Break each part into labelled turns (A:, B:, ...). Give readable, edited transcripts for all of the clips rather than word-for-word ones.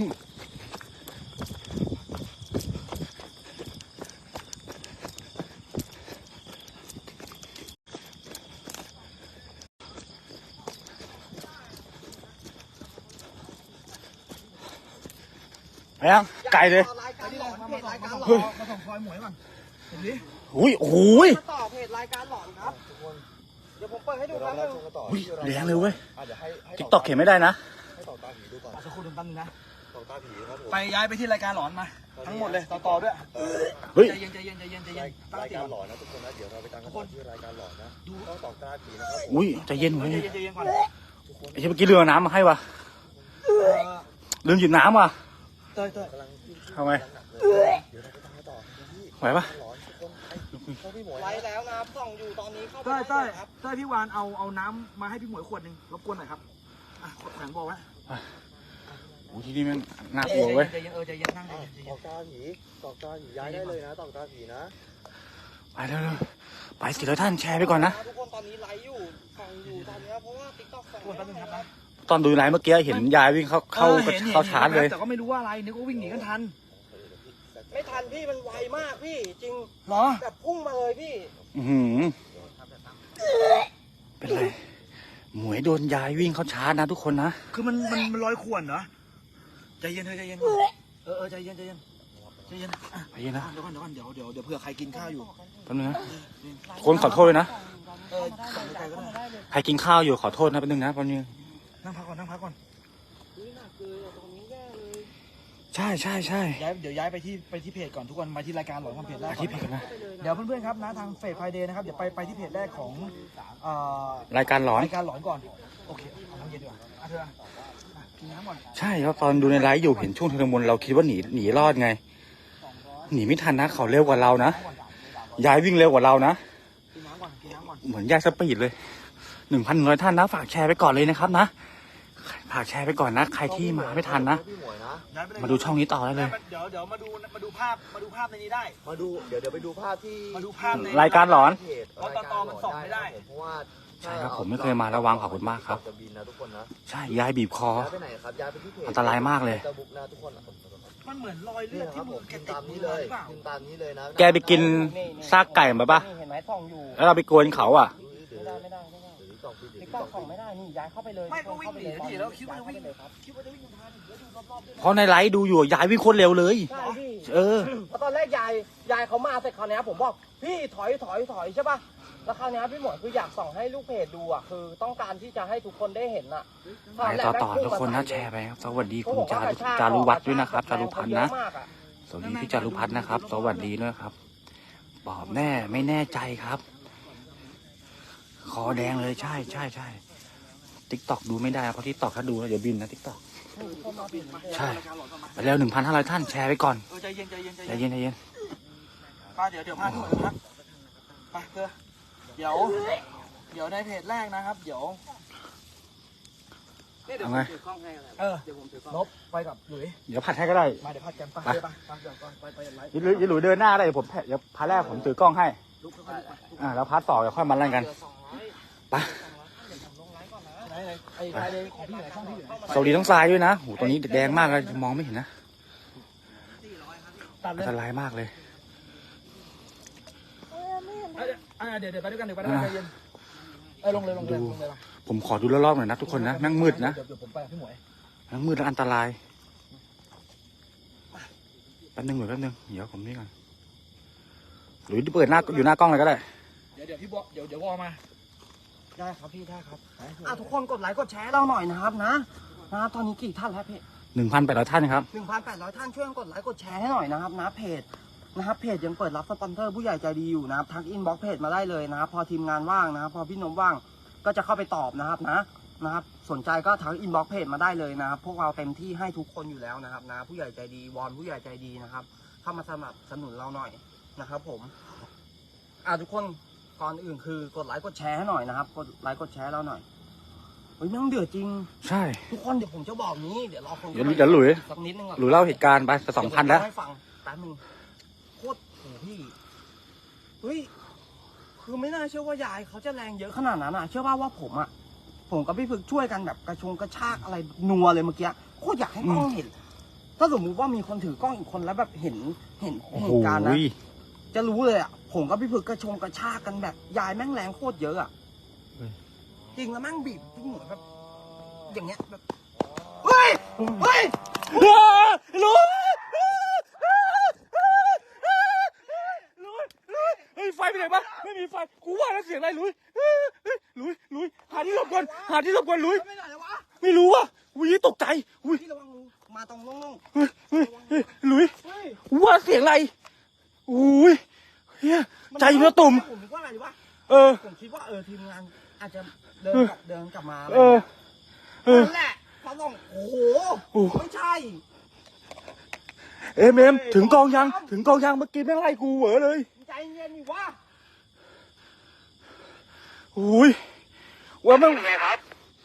A: ไปยังไกลเลยเฮ้ยมาส่งคอยหมวยก่อนอุ้ยโอ้ย
B: ต่อเพจรายการหลอนครับเดี๋ยวผมเปิดให้ดูครับ
A: อุ้ยแรงเลยเว้ยติ๊กต็อกเขียนไม่ได้นะ
B: ให้ต่อตาผีดูก่อนสักครู่แป๊บนึงนะต่อตาผีครับ
A: ไปย้ายไปที่รายการหลอนมาทั้งหมดเลยต่อด้วย
B: เฮ้ยใจเย็นรายการหลอนนะทุกคนนะเดี๋ยวเราไปตามกันที่รายการหลอนนะดูต้องต่อตาผีนะครับ
A: อุ้ยใจเย็นเว้ยก่อนไอ้เมื่อกี้เรือน้ำมาให้วะลืมหยิบน้ำว่ะ
B: เต้ย
A: ทำไมไหวปะ
B: ไว้แล้วนะส่องอยู่ตอนนี้เข้าไป
A: เต้ยพี่วานเอาน้ำมาให้พี่หมวยขวดหนึ่งรบกวนหน่อยครับขวดแข็งบอกไว้โอ้ที่นี่มันน่ากลัวเว้ย
B: ใจเย็นนั่งตอกตาผีย้ายได้เลยนะตอกตาผีนะ
A: ไปเร็วไปสิแล้วท่านแชร์ไปก่อนนะ
B: ทุกคนตอนนี้ไลฟ์อยู่ส่องอยู่ตอนนี้เพราะว่าติ๊กต็อกส่อง
A: ตอนดูไลฟ์เมื่อกี้เห็นยายวิ่งเข้าชาร์จเลย
C: แต่ก็ไม่รู้ว่าอะไรนึกว่าวิ่งหนีกันทัน
B: ไม่ทันพี่มันไวมากพี่จริง
C: เหรอ
B: แบบพุ่งมาเลยพี่
A: เป็นไรหมวยโดนยายวิ่งเข้าชาร์จนะทุกคนนะ
C: คือมันลอยข่วนเหรอใจเย็นใจเย็นใจเย็น
A: ไปเย็นนะ
C: เดี๋ยวเผื่อใครกินข้าวอยู่
A: แป๊บนึงนะคนขอโทษเลยนะใครกินข้าวอยู่ขอโทษนะแป๊บนึงนะแป๊บนึง
C: นั่งพักก่อน
A: ใช่
C: เดี๋ยวย้ายไปที่เพจก่อนทุกคนมาที่รายการหลอนความเพจแรก
A: ที่เพจนะ
C: เดี๋ยวเพื่อนๆครับนะทางเฟซไฟเดย์นะครับเดี๋ยวไปที่เพจแรกของ
A: รายการหลอน
C: ก่อนโอเคเอาน้ำเย็นดีกว่าเธอกินน้ำก่อน
A: ใช่ครับตอนดูในไลฟ์อยู่เห็นช่วงเทเลมนเราคิดว่าหนีรอดไงหนีไม่ทันนะเขาเร็วกว่าเรานะยายวิ่งเร็วกว่าเรานะเหมือนยายสปีดเลย1,100 ท่านนะฝากแชร์ไปก่อนเลยนะครับนะฝากแชร์ไปก่อนนะใครที่มาไม่ทันนะมาดูช่องนี้ต่อได้เลย
C: เดี๋ยวมาดูภาพในนี้ได้
B: มาดูเดี๋ยวไปดูภาพที่
A: รายการหลอน
C: เพราะตอมันส่องไม่ได้
B: เพราะว่า
A: ใช่ครับผมไม่เคยมาระวังขอบคุณมากครับใช่ยายบีบคออันตรายมากเลย
C: มันเหมือนรอยเลือดที่มือแกติด
B: นี้เลยตามนี้เลยนะ
A: แกไปกินซากไก่มาปะแล้วเราไปกวนเขาอ่ะ
B: ติ๊กต็อกส่องไม่ได้นี่ย้ายเข้าไปเลย
C: ไม่ก็วิ่งหนีทีแล้วคิดว่าจะวิ่งทัน
A: เพราะในไลฟ์ดูอยู่ยายวิ่งโคตรเร็วเลย
B: ใช่พี่เพราะตอนแรกยายเขามาเสร็จคราวนี้ผมบอกพี่ถอยใช่ป่ะแล้วคราวนี้พี่หมวยคืออยากส่องให้ลูกเพจดูอ่ะคือต้องการที่จะให้ทุกคนได้เห็นอ่ะ
A: ไปต่อทุกคนนะแชร์ไปครับสวัสดีคุณจารุวัฒน์ด้วยนะครับจารุพันธ์นะสวัสดีพี่จารุพันธ์นะครับสวัสดีด้วยครับบอกแน่ไม่แน่ใจครับคอแดงเลยใช่ติ๊กต็อกดูไม่ได้เพราะติ๊กต็อกถ้าดูแล้วเดี๋ยวบินนะติ๊กต็อกใช่ไปแล้ว1,500 ท่านแชร์ไปก่อน
C: ใจเย็น
A: ไปเดี๋ยว
C: พาที่หมดนะครับไปเพื่อเดี๋ยวในเพจแรกนะครับเดี๋ยว
A: ไง
C: ลบไปกับหลุย
A: เดี๋ยวผัดให้ก็ได้
C: มาเดี๋ยวผัดกันไป
A: หลุยเดินหน้าได้ผมเดี๋ยวพาแรกผมถือกล้องให้แล้วพาต่อเดี๋ยวค่อยมาเล่นกันไปสวัสดีทั้งทรายด้วยนะโหตอนนี้แดงมากเลยมองไม่เห็นนะอันตรายมากเลย
C: เดี๋ยวไปด้วยกันใจเย็นลงเลย
A: ผมขอดูรอบๆหน่อยนะทุกคนนะแม่งมืดนะ
C: เดี๋ยวผมไปพี่หมวย
A: แม่งมืดและอันตรายแป๊บนึงเดี๋ยวผมนี่ก่อนหรือเปิดหน้าอยู่หน้ากล้องเลยก็ได้
C: เดี๋ยวพี่บอกเดี๋ยววอมา
B: ได้ครับพี่ได้ครับทุกคนกดไลค์กดแชร์เราหน่อยนะครับนะตอนนี้กี่ท่านแล้วพี่
A: 1,800 ท่านครับ
B: 1,800 ท่านช่วยกดไลค์กดแชร์ให้หน่อยนะครับนะเพจนะครับเพจยังเปิดรับสปอนเซอร์ผู้ใหญ่ใจดีอยู่นะครับทักอินบ็อกเพจมาได้เลยนะครับพอทีมงานว่างนะครับพอพี่นมว่างก็จะเข้าไปตอบนะครับสนใจก็ทักอินบ็อกเพจมาได้เลยนะครับพวกเราเต็มที่ให้ทุกคนอยู่แล้วนะครับนะผู้ใหญ่ใจดีวอนผู้ใหญ่ใจดีนะครับเข้ามาสนับสนุนเราหน่อยนะครับผมทุกคนก่อนอื่นคือกดไลค์กดแชร์ให้หน่อยนะครับกดไลค์กดแชร์เราหน่อยมันเดือดจริง
A: ใช่
B: ทุกคนเดี๋ยวผมจะบอกนี้เดี๋ยวรอคน
A: เดี๋ยวหลุย
B: สักนิดนึงก่อน
A: หลุยเล่าเหตุการณ์ไปจะ2,000แล้ว
B: ให้ฟังแป๊บนึงโคตรพี่คือไม่น่าเชื่อว่ายายเขาจะแรงเยอะขนาดนั้นเชื่อว่าผมกับพี่ฝึกช่วยกันแบบกระชากอะไรนัวเลยเมื่อกี้โคตรอยากให้กล้องเห็นถ้าสมมุติว่ามีคนถือกล้องอีกคนแล้วแบบเห็น
A: โอ้
B: เห
A: โห
B: ตุการณ์นะจะรู้เลยอ่ะผมกับพี่พึกกระชากกันแบบยายแม่งแรงโคตรเยอะอ่ะจริงแล้วแม่งบีบพี่หมวยแบบอย่างเงี้ยแบบเฮ้ย
A: ลุยเฮ้ยไฟไปไหนบ้างไม่มีไฟกูว่าแล้วเสียงอะไรลุยหาที่หลบก่อนลุย
B: ไม่ไหนวะ
A: ไม่รู้ว่ะอุ้ยตกใจอุ้ย
B: พี่ระวังงูมาตรงโล่ง
A: เฮ้ยลุย
B: ๆเฮ้ย
A: ว่าเสียงอะไรอุ้ยเฮียใจเนื้อตุ่ม
B: ผมคิดว่าอะไรวะ ผมคิดว่าทีมงานอาจจะเดินกลับมาอะไรนั่นแหละพอส่องโอ้โหไม่ใช่
A: เอ็มถึงกองยังเมื่อกี้แม่งไล่กูเหวอเลย
B: ใจเย็นนี่วะ
A: อุ้ยว่าแม่งไงครับ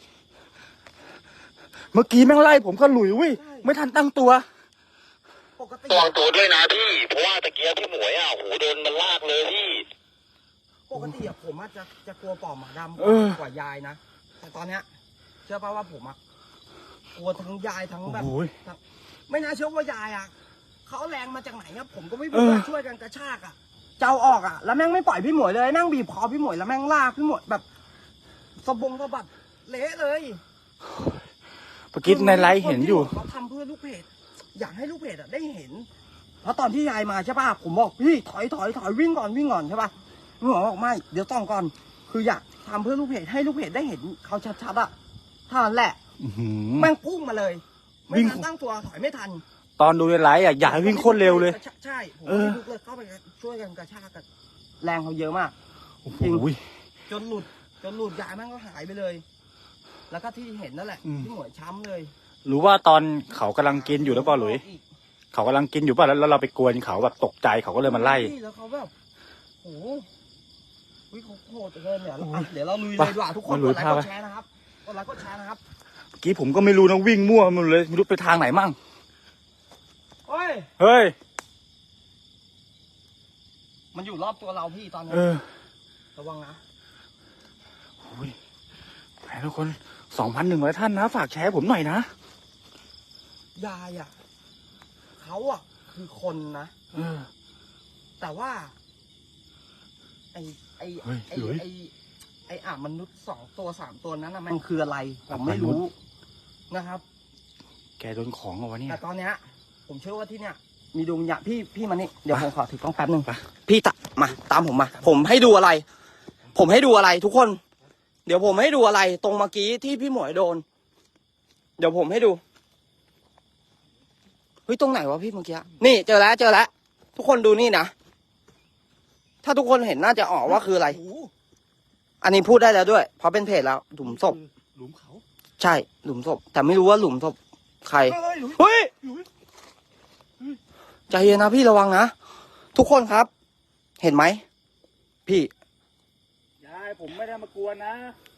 A: เมื่อกี้แม่งไล่ผมก็หลุยวิไม่ทันตั้งตัว
B: ปกติ
D: ระวังตัวด้วยนะพี่ เพราะว่าตะเกียบพี่หมวยโหโดนมันลากเลยพี่
B: ปกติผมจะกลัวปอบหมาดำกว่ายายนะแต่ตอนเนี้ยเชื่อป่ะว่าผมกลัวทั้งยายทั้งแบบไม่น่าเชื่อว่ายายเขาแรงมาจากไหนครับผมก็ไม่รู้ช่วยกันกระชากเจ้าออกแล้วแม่งไม่ปล่อยพี่หมวยเลยแม่งบีบคอพี่หมวยแล้วแม่งลากพี่หมวยแบบสะบัดเละเลย
A: เมื่อกี้ในไลฟ์เห็นอยู่
B: เขาทำเพื่อลูกเพจอยากให้ลูกเพจได้เห็นเพราะตอนที่ยายมาใช่ป่ะผมบอกพี่ถอยวิ่งก่อนใช่ป่ะพี่หมอบอกไม่เดี๋ยวต้องก่อนคืออยากทำเพื่อลูกเพจให้ลูกเพจได้เห็นเขาชัดๆเท่านั้นแหละแม่งพุ่งมาเลยไม่ทันตั้งตัวถอยไม่ทัน
A: ตอนดูในไลฟ์อยากให้วิ่งโคตรเร็วเลย
B: ใช่ผมลุกเลยเข้าไปช่วยกันกระชากกันแรงเขาเยอะมาก
A: จริง
B: จนหลุดยายแม่งก็หายไปเลย แล้วก็ที่เห็นนั่นแหละที่หมวยช้ำเลย
A: รู้ว่าตอนเขากำลังกินอยู่แล้วเปล่าหลุยเขากำลังกินอยู่ป่ะแล้วเราไปกวนเขาแบบตกใจเขาก็เลยมาไล่
B: แล้วเขาแบบโอ้โหเขาโหดเกินเดี๋ยวเราลุยเลยดีกว่าทุกคนกดไลค์กดแชร์นะครับเมื่
A: อกี้ผมก็ไม่รู้นะวิ่งมั่วมันเลยไม่รู้ไปทางไหนมั่งเฮ้ย
B: มันอยู่รอบตัวเราพี่ตอนนี้ระวังนะ
A: โอ้ยทุกคน 2,100 ท่านนะฝากแชร์ผมหน่อยนะ
B: ยายเขาคือคนนะแต่ว่าไอ้มนุษย์2 ตัว 3 ตัวนั้นมันคืออะไรผมไม่รู้นะครับ
A: แกโดนของเอาวะเนี่ย
B: แต่ตอนเนี้ยผมเชื่อว่าที่เนี้ยมีดวงวิญญาณพี่มานี่เดี๋ยวผมขอถือกล้องแป๊บนึงพี่มาตามผมมาผมให้ดูอะไรทุกคนเดี๋ยวผมให้ดูอะไรตรงเมื่อกี้ที่พี่หมวยโดนเดี๋ยวผมให้ดูเฮ้ยตรงไหนวะพี่เมื่อกี้นี่เจอแล้วทุกคนดูนี่นะถ้าทุกคนเห็นน่าจะออกว่าคืออะไรอันนี้พูดได้แล้วด้วยเพราะเป็นเพจแล้วหลุมศพ
A: หลุมเขา
B: ใช่หลุมศพแต่ไม่รู้ว่าหลุมศพใครเฮ้ยใจเย็นนะพี่ระวังนะทุกคนครับเห็นไหมพี่
A: ยายผมไม่ได้มากวนนะ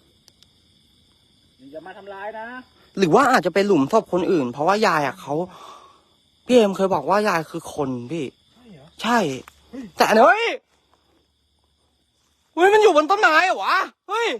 A: อย่ามาทำร้ายนะ
B: หรือว่าอาจจะเป็นหลุมศพคนอื่นเพราะว่ายายเขาพี่เอ็มเคยบอกว่ายายคือคนพี่ใช่แต่เฮ้ยมันอยู่บนต้นไม้เหรอวะเฮ้ย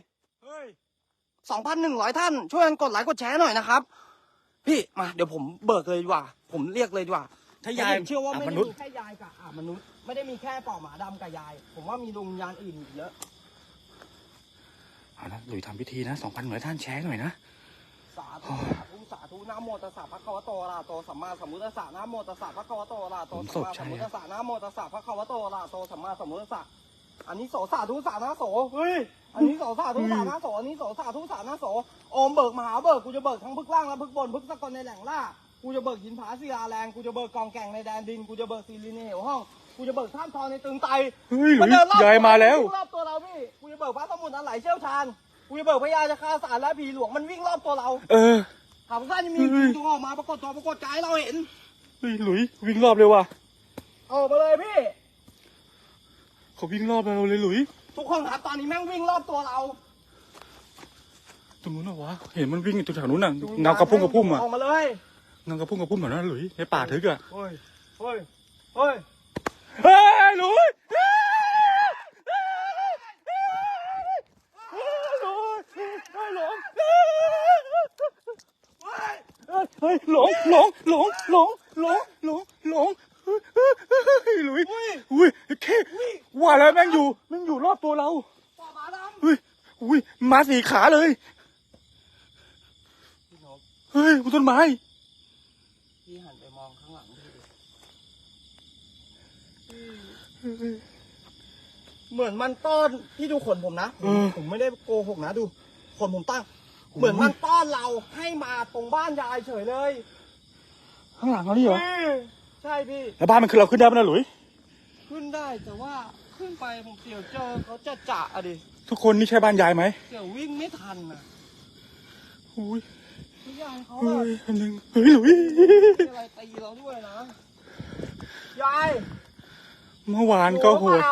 B: 2,100 ท่านช่วยกันกดไลค์กดแชร์หน่อยนะครับพี่มาเดี๋ยวผมเบิกเลยดีกว่าผมเรียกเลยดีกว่า
A: ถ้ายาย
B: เชื่อว่าไม่ได้มีแค่ยายกับมนุษย์ไม่ได้มีแค่ปอบหมาดำกับยายผมว่ามีดวงวิญญาณอื่นอีกเยอะ
A: เอาละหลุยทำพิธีนะ 2,100 ท่านแชร์หน่อยนะ
B: สาธุนะโมตัสสะภะคะวะโตอะระหะโตสัมมาสัมพุทธัสสะนะโมตัสสะภะคะวะโตอะระหะโตสัมมาสัมพุทธัสสะนะโมตัสสะภะคะวะโตอะระหะโตสัมมาสัมพุทธัสสะอันนี้โสสาธุสานะโสอันนี้โสสาธุสานะโสอันนี้โสสาธุสานะโสโอมเบิกมหาเบิกกูจะเบิกทั้งพึกล่างและพึกบนพึกสกลในแหล่งล่ากูจะเบิกหินผาศิลาแรงกูจะเบิกกองแก่งในแดนดินกูจะเบิกซีรีในเหวห้องกูจะเบิกท่ามทองในตึงไต
A: มันเดินรอบมาแล้ว
B: รอบตัวเราพี่กูจะเบิกพระสมุทรอันไหลเชี่ยวชาญกูจะเบิกพญาจะฆ่าสารและผีหลวงมันวิ่งรอบตัวเราถามว่าจะมีตัวออกมาปรากฏกายเราเห็น
A: หลุยวิ่งรอบเลยว่ะ
B: ออกมาเลยพี่
A: เขาวิ่งรอบเราเลยหลุย
B: ทุกคนครับตอนนี้แม่งวิ่งรอบตัวเรา
A: ตรงนู้นเหรอวะเห็นมันวิ่งอยู่แถวนู้นน่ะเงากระพุ่งอ่ะ
B: ออกมาเลย
A: เงากระพุ่งเหมือนนั้นหลุยในป่าทึกอ่ะ
B: เฮ้ยหลุย
A: หลงหลงหลุยอุ้ยแค่ว่าแล้วแม่งอยู่รอบตัวเรา
B: ปอบหมาดำ
A: อุ้ยมาสี่ขาเลย
B: พี่นพ
A: เฮ้ยบนต้นไม้
B: พี่หันไปมองข้างหลังพี่ดิเหมือนมันต้อนพี่ดูขนผมนะ ผมไม่ได้โกหกนะดูขนผมตั้ง เหมือนมันต้อนเราให้มาตรงบ้านยายเฉยเลย
A: ข้างหลังเรานี่เหรอ
B: ใช่พี่
A: แล้วบ้านมันคือเราขึ้นได้ไหมนะหลุย
B: ขึ้นได้แต่ว่าขึ้นไปผมเสี่ยวเจอเขาจะจะอะดิ
A: ทุกคนนี่ใช่บ้านยายไหม
B: เสี่ยววิ่งไม่ทันอ่ะ
A: อุ้ย
B: พี่ยายเขา
A: เฮ้
B: อะ
A: ยอันหนึ่งเฮ้ยหลุย
B: มีอะไรตีเราด้วยนะยาย
A: เมื่อวานก็โหด
B: เปล่า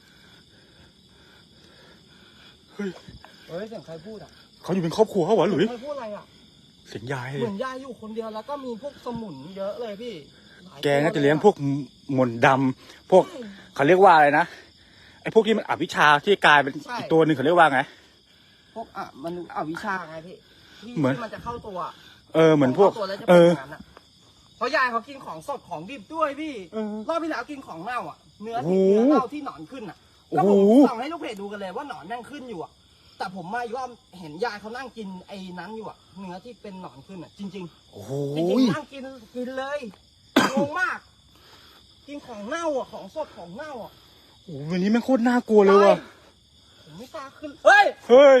A: เฮ้ย
B: เฮ้ยเสียงใครพูดอ่ะ
A: เขาอยู่เป็นครอบครัวเขาเหรอหลุย
B: ใครพูดอะไรอ่ะ
A: เสียงยาย
B: เหมือนยายอยู่คนเดียวแล้วก็มีพวกสมุนเยอะเลยพี่หย
A: แกน่าจะเลี้ยงพวกมนต์ดำพวกเขาเรียกว่าอะไรนะไอ้พวกที่มันอภิชาที่กลายเป็นอีกตัวหนึ่งเขาเรียกว่าไง
B: พวกมันวิชาไงพี่ที่
A: เหมือน
B: ที่มันจะเข้าตัว
A: เหมือนพวก
B: ข้าตัวแล้วจะเป็นอย่างนั้นอ่ะเพราะยายเขากินของสดของดิบด้วยพี่รอบที่แล้วกินของเน่าอ่ะเนื้อที่เนื้อเน่าที่หนอนขึ้นอ่ะก็ผมส่องให้ลูกเพจดูกันเลยว่าหนอนนั่งขึ้นอยู่อ่ะแต่ผมมาอีกรอบเห็นยายเขานั่งกินไอ้นั้นอยู่อ่ะเนื้อที่เป็นหนอนขึ้นอ่ะจริง
A: โอ้โห
B: ๆจริงๆนั่งกินเลยงงมาก กินของเน่าอ่ะของสดของเน่าอ่ะ
A: โอ้โหวันนี้แม่งโคตรน่ากลัวเลยว่ะ
B: ผมไม่กล้าขึ้นเฮ้ย
A: เฮ้ย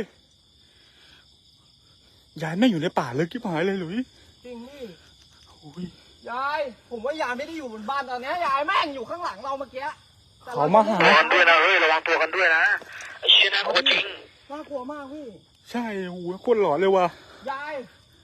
A: ยายแม่งอยู่ในป่าเลยกิ๊บหายเลยหลุย
B: จริงนี่
A: โอ้ย
B: ยายผมว่ายายไม่ได้อยู่บนบ้านตอนนี้ยายแม่งอยู่ข้างหลังเราเมื่อกี้แต่ร
A: เขามาหา
D: ระวังด้วยนะเฮ้ยระวังตัวกันด้วยนะไอ้เชี่ยน่ากลัวจริง
B: น่ากลัวมากพี่
A: ใช่โอ้โหโคตรหลอนเลยว่ะ
B: ยาย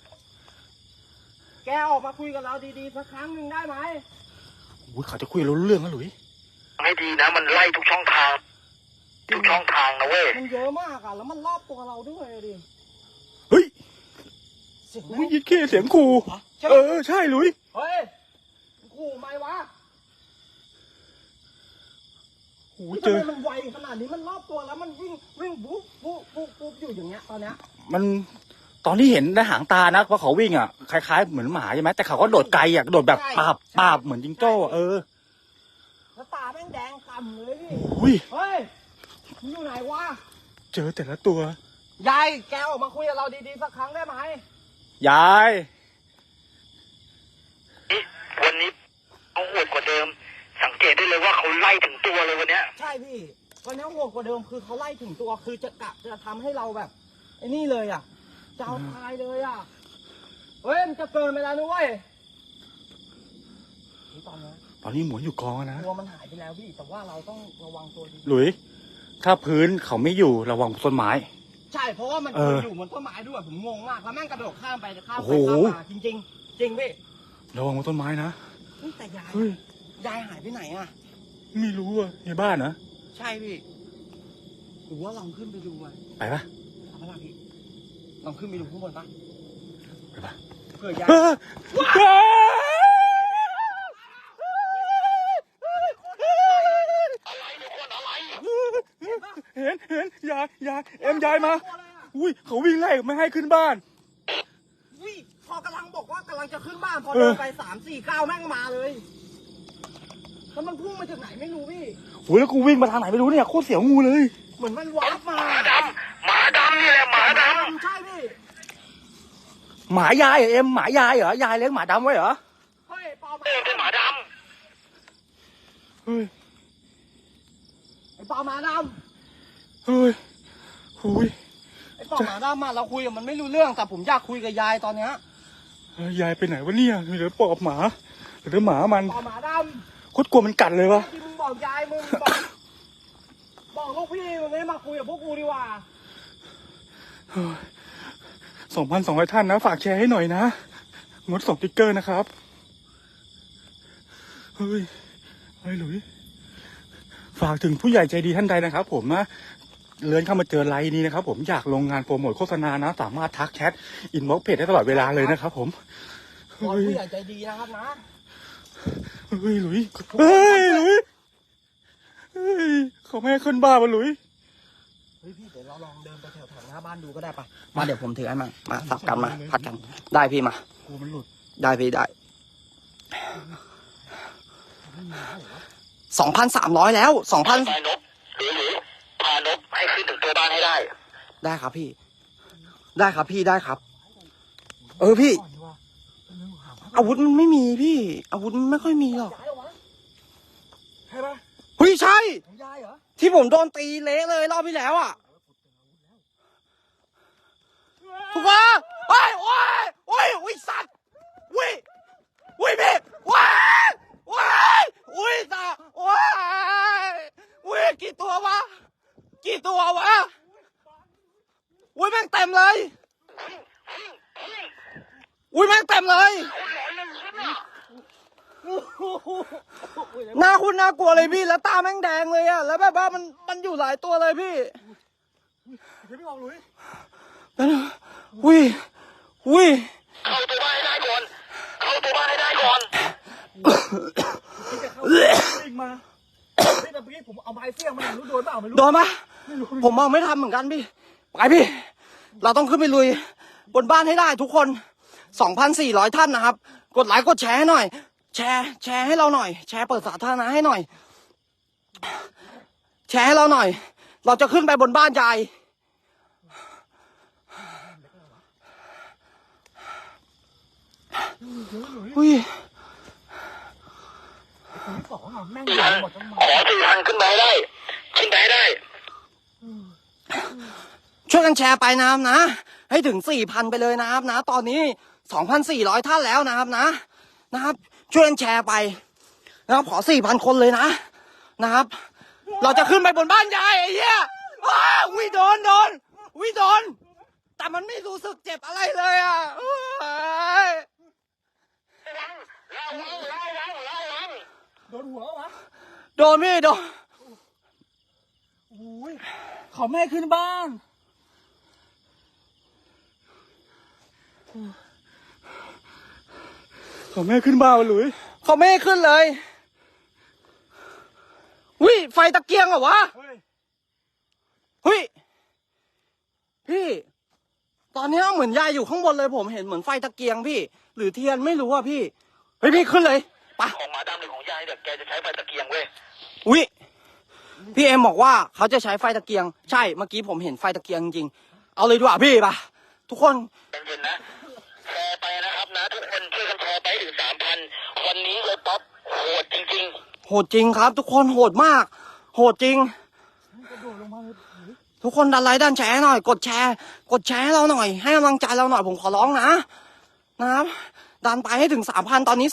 B: แกออกมาคุยกับเราดีๆสักครั้งหนึ่งได้ไหม
A: โอ้ยเขาจะคุยรู้เรื่องนะหลุย
D: ให้ดีนะมันไล่ทุกช่องทางนะเว้ย
B: มันเยอะมากอ่ะแล้วมันรอบตัวเราด้วยดิ
A: เฮ้ย
B: เสียง
A: วิ่งยิดเข้เสียงขู่ใช่หลุย
B: เฮ้ยขู่ไหมวะ
A: โอ้ย
B: ทำ
A: เจอ
B: ไมมันไวขนาดนี้มันรอบตัวแล้วมันวิ่งบุ๊บอยู่อย่างเงี้ยตอนเนี้ย
A: มันตอนที่เห็นในหางตานะว่าเขาวิ่งอ่ะคล้ายๆเหมือนหมาใช่ไหมแต่เขาก็โดดไกลอ่ะโดดแบบปาบเหมือนจิงโจ้อะ
B: แล้วตาแม่งแดงกำเลยพี่
A: อุ้ย
B: เฮ้ยมึงอยู่ไหนวะ
A: เจอแต่ละตัวย
B: ายแกออกมาคุยกับเราดีๆสักครั้งได้ไหม
A: ยาย
D: วันนี้เอาโหดกว่าเดิม สังเกตได้เลยว่าเขาไล่ถึงตัวเลยวันเนี้ย
B: ใช่พี่วันนี้โหดกว่าเดิมคือเขาไล่ถึงตัวคือจะกะจะทำให้เราแบบไอ้นี่เลยอ่ะจะเอาตายเลยอ่ะเฮ้ยมันจะเกินไปแล้วนะเว้ยนี่ตอนนี้
A: ตอนนี้หมุนอยู่กองนะ
B: ตัวมันหายไปแล้วพี่แต่ว่าเราต้องระวังตัวดี
A: หลุยถ้าพื้นเขาไม่อยู่ระวังต้นไม้
B: ใช่เพราะว่ามัน
A: เออ
B: อยู่บนต้นไม้ด้วยผมงงมากแล้วแม่งกระโดดข้ามไปข้าม
A: โอ้
B: ไป
A: โห
B: ข้ามมาจริงๆจริงพี่
A: ระวังบนต้นไม้นะ
B: เฮ้ยแต่ยาย
A: เฮ้ย
B: ยายหายไปไหนอ่ะ
A: ไม่รู้อ่ะในบ้านนะ
B: ใช่พี่หรือว่าลองขึ้นไปดูอ่ะ
A: ไปปะ
B: เอาปะล่ะพี่ลองขึ้นไปดูข้างบนปะ
A: ไปปะ
B: เผื่อยาย
A: เห็นยายเอ็มยายมาอุ้ยเขาวิ่งไล่ไม่ให้ขึ้นบ้าน
B: วิพอกำลังบอกว่ากำลังจะขึ้นบ้านพอ
A: เออ
B: เดินไป3-4 ก้าวแม่งมาเลยแล้วมันพุ่งมาจากไหนไม่รู้พี่
A: โอ้ยแล้วกูวิ่งมาทางไหนไม่รู้เนี่ยโคตรเสียวงูเลย
B: เหมือนมันวาร์ปมา
D: หมาดำนี่แหละหมาด
B: ใช่พี่
A: หมายายเหรอเอ็มหมายายเหรอยายเลี้ยงหมาดำไว้เหรอ
B: เฮ้ยเปา
D: ำเป็นหมาด
A: เฮ้ย
B: ไอ้เปาหมาด
A: เฮ้ยหุย
B: ำไอ้เปาหมาดำมาเราคุยกับมันไม่รู้เรื่องแต่ผมอยากคุยกับยายตอนเนี้ย
A: ยายไปไหนวะเนี่ยมีแต่ปอบหมาหรือหมามัน
B: เปาหมาด
A: โคตรกลัวมันกัดเลยวะ
B: ำที่มึงบอกยายมึงบอกลูกพี่มึงให้มาคุยกับพวกกูดีกว่า
A: 2,200 ท่านนะฝากแชร์ให้หน่อยนะงดส่งติ๊กเกอร์นะครับเฮ้ยหลุยฝากถึงผู้ใหญ่ใจดีท่านใดนะครับผมนะเลื่อนเข้ามาเจอไลน์นี้นะครับผมอยากลงงานโปรโมทโฆษณานะสามารถทักแชทอินบ็อกซ์เพจได้ตลอดเวลาเลยนะครับผม
B: บอลผู้ใหญ่ใจดีนะครับนะ
A: เฮ้ยหลุยเฮ้ยหลุยเฮ้ยเขาไม่ให้ขึ้นบ้านมาหลุย
B: เฮ้ยพี่เดี๋ยวเราลองเดินไปแถวๆหน้าบ้านดูก็ได้ปะมาเดี๋ยวผมถือให้มาสับกันมาพัดกันได้พี่มา
A: กลัวมันหลุด
B: ได้พี่ได้ 2,300แล้ว 2,000
D: ไปนบหรือพานบให้ขึ้นถึงตัวบ้านให้ได้
B: ได้ครับพี่ ได้ครับพี่ได้ครับ พี่ อาวุธมันไม่มีพี่ อาวุธมันไม่ค่อยมีหรอก
C: ยายเหรอวะใช่ปะ
B: เฮ้ยใช่
C: ของยายเหรอ
B: ที่ผมโดนตีเละเลยรอบที่แล้วอ่ะถูกปะโอ้ยสัตว์พี่สัตว์กี่ตัววะแม่งเต็มเลยแม่งเต็มเลยหน้าคุณน่ากลัวเลยพี่แล้วตาแม่งแดงเลยอะแล้วแบบว่ามันอยู่หลายตัวเลยพี่
C: เดี๋ยวพี่ออกหลุย
B: อุ้ย
D: เข้าตัวบ้านให้ได้ก่อน
C: อีกมาแต่เมื่อกี้ผมเอาไม้เสี้ยงมันรู้โดนเปล่าไม่รู้
B: โดนปะผมมองไม่ทำเหมือนกันพี่ไปพี่เราต้องขึ้นไปลุยบนบ้านให้ได้ทุกคน 2,400 ท่านนะครับกดไลค์กดแชร์ให้หน่อยแชร์ให้เราหน่อยแชร์เปิดสาธารณะให้หน่อยแชร์ให้เราหน่อยเราจะขึ้นไปบนบ้านยายอุ้ย
C: ที่สองอ่ะแม่ง
D: 4,000
C: ใหญ่หมดทั้งหมด
D: ขอ 4,000 ขึ้นไปให้ได้
B: ช่วยกันแชร์ไปนะครับนะให้ถึง 4,000 ไปเลยนะครับนะตอนนี้ 2,400 ท่านแล้วนะครับช่วยกันแชร์ไปนะครับขอ 4,000 คนเลยนะครับเราจะขึ้นไปบนบ้านยายไอ้เหี้ยวิโดนแต่มันไม่รู้สึกเจ็บอะไรเลยอ่ะ
C: โดนหัววะ
B: โดนพี่โดน
C: โอ้ยขอแม่ขึ้นบ้าน
B: ขอแม่ขึ้นบ้านหลุยขอแม่ขึ้นเลยวิไฟตะเกียงเหรอวะ
C: เฮ้ย
B: เฮ้ยพี่ตอนนี้เหมือนยายอยู่ข้างบนเลยผมเห็นเหมือนไฟตะเกียงพี่หรือเทียนไม่รู้อ่ะพี่เฮ้ยพี่ขึ้นเลยไป
D: ของหมาดำหรือของยายเนี่ยแกจะใช้ไฟตะเกียงเว้ย
B: วิพี่เอ็มบอกว่าเขาจะใช้ไฟตะเกียงใช่เมื่อกี้ผมเห็นไฟตะเกียงจริงๆเอาเลยดีกว่าพี่ป่ะทุกคน
D: เย็นๆนะแชร์ไปนะครับนะทุกคนช่วยกันแชร์ไปถึง 3,000 วันนี้เลยป๊อปโหดจริง
B: โหดจริงครับ ทุกคนโหดมากโหดจริง
C: กระโดดลงมาเลย
B: ทุกคนดันไลค์ดันแชร์หน่อยกดแชร์ให้เราหน่อยให้กำลังใจเราหน่อยผมขอร้องนะครับดันไปให้ถึง 3,000 ตอนนี้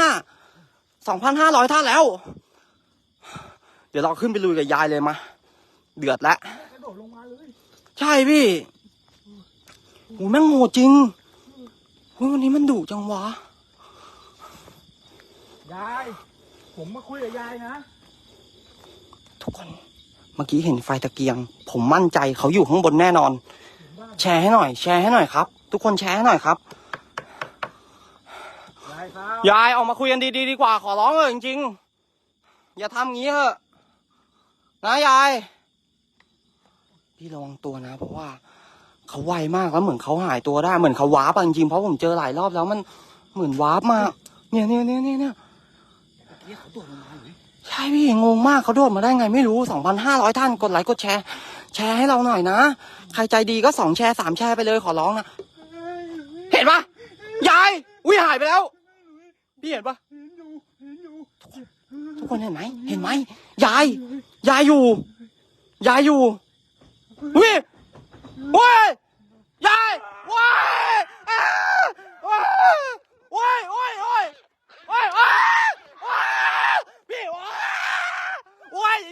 B: 2,500 ท่านแล้วเดี๋ยวเราขึ้นไปลุยกับยายเลยมาเดือดแล้ว
C: กระโดดลงมาเลย
B: ใช่พี่โหแม่งโหดจริงโหวันนี้มันดุจังวะ
C: ยายผมมาคุยกับยายนะ
B: ทุกคนเมื่อกี้เห็นไฟตะเกียงผมมั่นใจเขาอยู่ข้างบนแน่นอนแชร์ให้หน่อยครับทุกคนแชร์ให้หน่อยครับ
C: ยายครับ
B: ยายออกมาคุยกันดีๆดีกว่าขอร้องเลยจริงๆอย่าทำงี้เถอะนะยายพี่ระวังตัวนะเพราะว่าเขาไวมากแล้วเหมือนเขาหายตัวได้เหมือนเขาวาร์ปจริงๆเพราะผมเจอหลายรอบแล้วมันเหมือนวาร์ปมากเนี่ย
C: เมื่อกี้เขาโดดลงมาเลย
B: ใช่พี่งงมากเขาโดดมาได้ไงไม่รู้ 2,500 ท่านกดไลค์กดแชร์ให้เราหน่อยนะใครใจดีก็2 แชร์ 3 แชร์ไปเลยขอร้องนะเห็นปะยายหายไปแล้วพี่เห็นปะทุกคนเห็นไหมยายอยู่วิเว้ยยายว้ายว้ายพี่ว้าย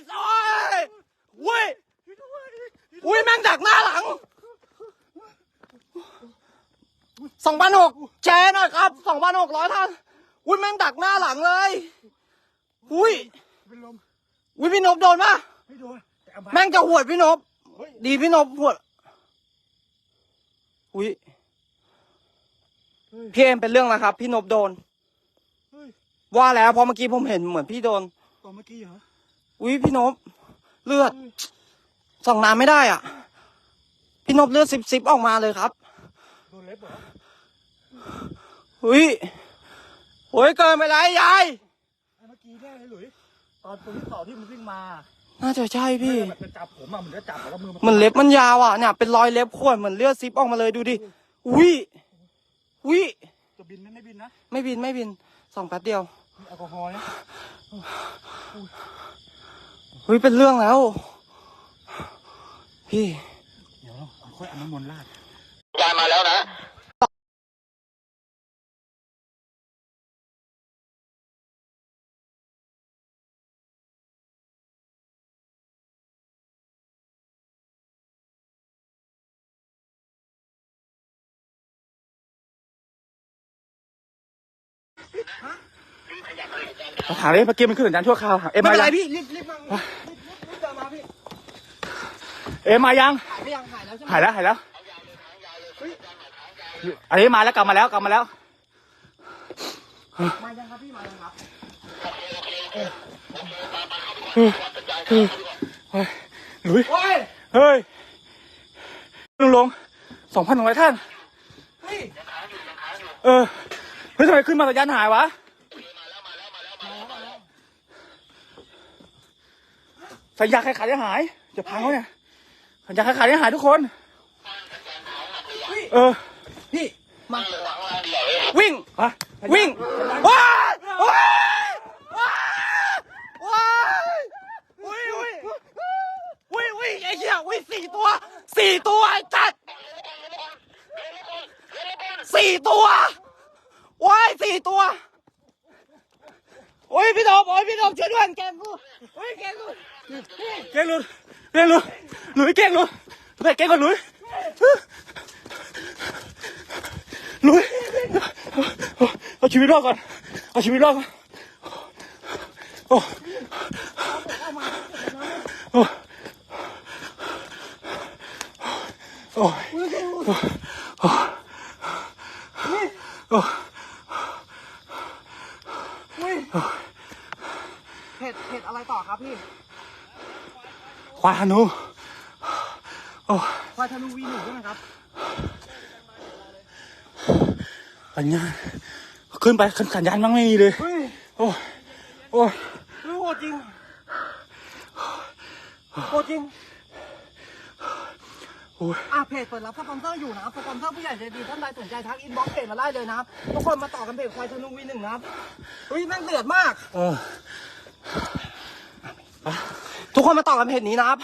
B: แม่งดักหน้าหลัง 2,600 แชร์หน่อยครับ 2,600 ท่านแม่งดักหน้าหลังเลย
C: เป็นลม
B: พี่นพโดนปะ
C: ไม่โดนแต่เอา
B: แม่งจะหวดพี่นพดีพี่นพหวดพี่เอ็มเป็นเรื่องแล้วครับพี่นพโดนว่าแล้วเพราะเมื่อกี้ผมเห็นเหมือนพี่โดน
C: ตอนเมื่อกี้เหรอ
B: พี่นพเลือดส่องน้ำไม่ได้อ่ะพี่นพเลือดซิบออกมาเลยครับ
C: โดนเล็บเหรอ
B: โอ้ยเกินไปแล้วยาย
C: เมื่อกี้แน่เลยหลุยตอนตัวที่สองที่มันวิ่งมา
B: น่าจะใช่พี่
C: มันจะจับผมอ่ะมันจะจับแล้วมือ
B: เหมือนเล็บมันยาวอ่ะเนี่ยเป็นรอยเล็บข่วนเหมือนเลือดซิปออกมาเลยดูดิอุ้ยอุ้ย
C: จะบินไหมไม่บินนะ
B: ไม่บินไม่บินส่องแป๊บเดียว
C: มีแอลกอฮอล์นะ
B: เฮ้ยเป็นเรื่องแล้ว พี่
C: เดี๋ยวเราค่อยเอาน้ำมนต์ราด
D: ยายมาแล้วนะ
C: ถามเลยเมื่อกี้มันขึ้นสัญญาณชั่วคราวเอ็ม
B: ไม่
C: มา
B: เป็นไร
C: ยัง
B: พี่รีบมารีบเดินมาพี่
C: เอ็มมายัง
B: หายไปยังหายแล้วใช่ไหม
C: หายแล้วอันนี้มาแล้วกลับมาแล้ว
B: มายังครับพี่มายังครับ
C: หลุย
B: โอ้ย
C: เฮ้ยลง 2,100 ท่าน
B: เฮ้ย
C: เฮ้ยทำไมขึ้นมาสัญญาณหายวะสัญญาณใครขาดจะหายจะพังเขาเนี่ยสัญญาณใครขาดจะหายทุกคน
B: พี่มา
C: วิ่งวิ่งว้ายว้ายว้ายอุ้ยไอ้เหี้ย4 ตัวไอ้จัด4 ตัวว้าย4 ตัวโอ้ยพี่ดมช่วยด้วยแกงกูโอ้ยแกงกูเก่งหลุดหลุยเก่งหลุดไปเก่งก่อนหลุยเอาชีวิตรอดก่อนโอ้
B: เผ็ดอะไรต่อครับพี่
C: ควายฮานู
B: ควายธนูวีหนึ่งใช่ไหมครับ
C: สัญญาณขึ้นไปสัญญาณมั้งไม่มีเลย
B: เฮ้ย
C: โอ้ย
B: โหดจริงเพจเปิดรับสปอนเซอร์อยู่นะครับสปอนเซอร์ผู้ใหญ่ใจดีท่านใดสนใจทักอินบ็อกซ์เพจมาได้เลยนะครับทุกคนมาต่อกันเพจควายธนูวีหนึ่งนะครับเฮ้ยแม่งเดือดมาก ทุกคนมาต่อกันเพจนี้นะครับ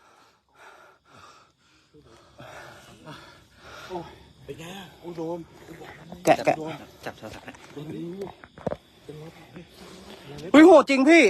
C: เป็นไงอุ้ยโดม
B: แกะ
A: จับโทรศัพท์
B: เฮ้ยโหดจริงพี่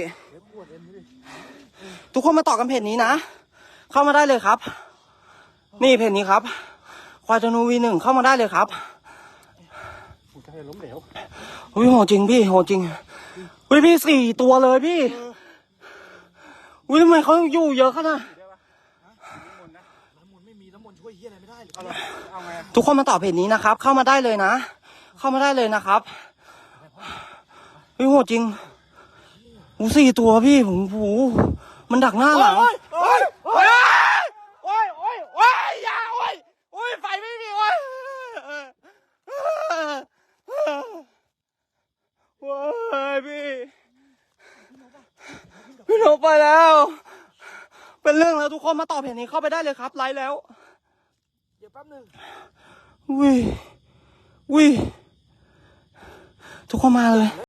B: ทุกคนมาต่อกันเพจนี้นะเข้ามาได้เลยครับนี่เพจนี้ครับควายธนูวีหนึ่งเข้ามาได้เลยครับ
C: หัวใจล้มเหลว
B: เฮ้ยโหดจริงพี่โหดจริงเฮ้ยพี่4 ตัวเลยพี่อุ้ยทำไมเขาอยู่เยอะขนาด
C: น้ำมนต์ไม่มีน้ำมนต์ช่วยเหี้ยอะไรไม่ได้เอาไง
B: ทุกคนมาต่อเพจนี้นะครับเข้ามาได้เลยนะเข้ามาได้เลยนะครับเฮ้ยโหดจริง4 ตัวพี่ผมมันดักหน้าหลัง
C: อย่าไฟไม่มี
B: พี่นกไปแล้วเป็นเรื่องแล้วทุกคนมาต่อเพจนี้เข้าไปได้เลยครับไลฟ์แล้ว
C: เดี๋ยวแป๊บนึง
B: อุ้ยทุกคนมาเลย